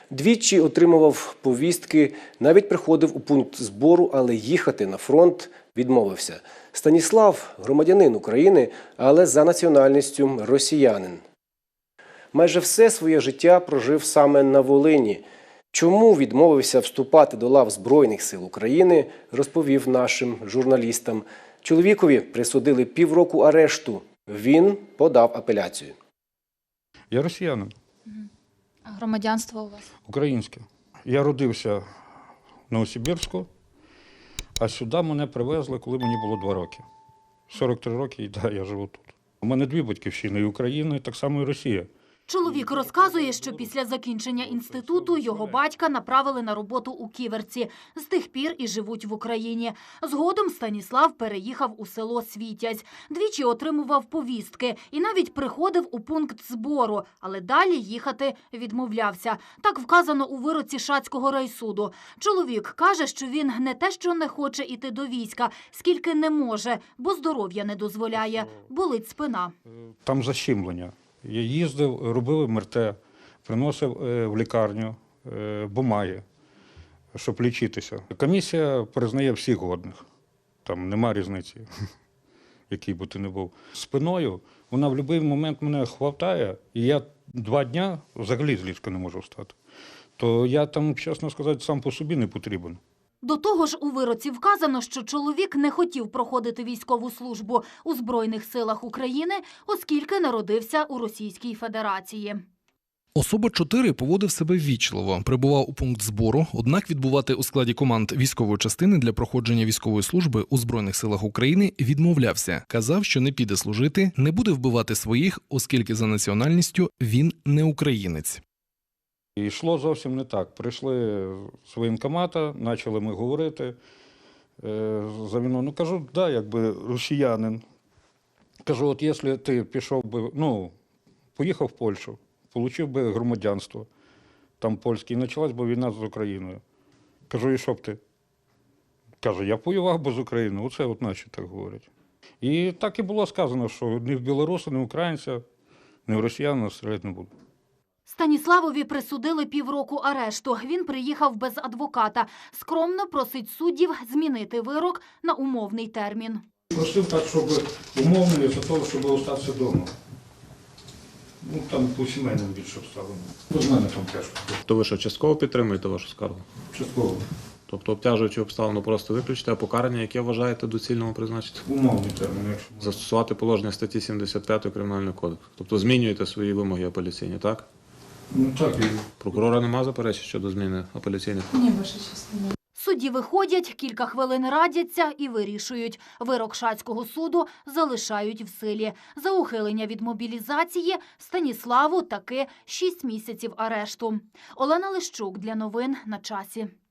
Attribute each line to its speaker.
Speaker 1: Двічі отримував повістки, навіть приходив у пункт збору, але їхати на фронт відмовився. Станіслав – громадянин України, але за національністю росіянин. Майже все своє життя прожив саме на Волині. Чому відмовився вступати до лав Збройних сил України, розповів нашим журналістам. Чоловікові присудили півроку арешту. Він подав апеляцію.
Speaker 2: Я росіянин.
Speaker 3: А громадянство у вас?
Speaker 2: Українське. Я родився в Новосибірську, а сюди мене привезли, коли мені було 2 роки. 43 роки, і да, я живу тут. У мене 2 батьківщини – і Україна, і так само і Росія.
Speaker 3: Чоловік розказує, що після закінчення інституту його батька направили на роботу у Ківерці. З тих пір і живуть в Україні. Згодом Станіслав переїхав у село Світязь. Двічі отримував повістки і навіть приходив у пункт збору, але далі їхати відмовлявся. Так вказано у вироці Шацького райсуду. Чоловік каже, що він не те, що не хоче іти до війська, скільки не може, бо здоров'я не дозволяє. Болить спина.
Speaker 2: Там защемлення. Я їздив, робив МРТ, приносив в лікарню бумаги, щоб лічитися. Комісія признає всіх годних. Там нема різниці, який би ти не був. Спиною вона в будь-який момент мене хватає, і я 2 дні взагалі з ліжка не можу встати. То я там, чесно сказати, сам по собі не потрібен.
Speaker 3: До того ж, у вироці вказано, що чоловік не хотів проходити військову службу у Збройних силах України, оскільки народився у Російській Федерації.
Speaker 4: Особа 4 поводив себе ввічливо, прибував у пункт збору, однак відбувати у складі команд військової частини для проходження військової служби у Збройних силах України відмовлявся. Казав, що не піде служити, не буде вбивати своїх, оскільки за національністю він не українець.
Speaker 2: І йшло зовсім не так. Прийшли з воєнкомата, почали ми говорити за війну. Ну, кажу, да, якби росіянин. Кажу, от якщо ти пішов би, поїхав в Польщу, отримав би громадянство, там польське, і почалась би війна з Україною. Кажу, і що б ти? Каже, я воював би з Україною. Оце от наші так говорять. І так і було сказано, що ні в білоруса, ні в українця, ні в росіян стріляти не буду.
Speaker 3: Станіславові присудили півроку арешту. Він приїхав без адвоката. Скромно просить суддів змінити вирок на умовний термін.
Speaker 2: Просив так, щоб умовний, за того, щоб залишатися вдома. Там по сімейному більше обставинам. З мене там тяжко.
Speaker 5: То ви що, частково підтримуєте вашу скаргу?
Speaker 2: Частково.
Speaker 5: Тобто обтяжуючи обставину просто виключити, а покарання, яке вважаєте доцільному призначити?
Speaker 2: Умовний термін, якщо можна.
Speaker 5: Застосувати положення статті 75 Кримінального кодексу. Тобто змінюєте свої вимоги апеляційні, так?
Speaker 2: Так і...
Speaker 5: Прокурора нема заперечень щодо зміни апеляційних?
Speaker 6: Ні, ваша честь, немає.
Speaker 3: Судді виходять, кілька хвилин радяться і вирішують. Вирок Шацького суду залишають в силі. За ухилення від мобілізації Станіславу таки 6 місяців арешту. Олена Лищук для новин на часі.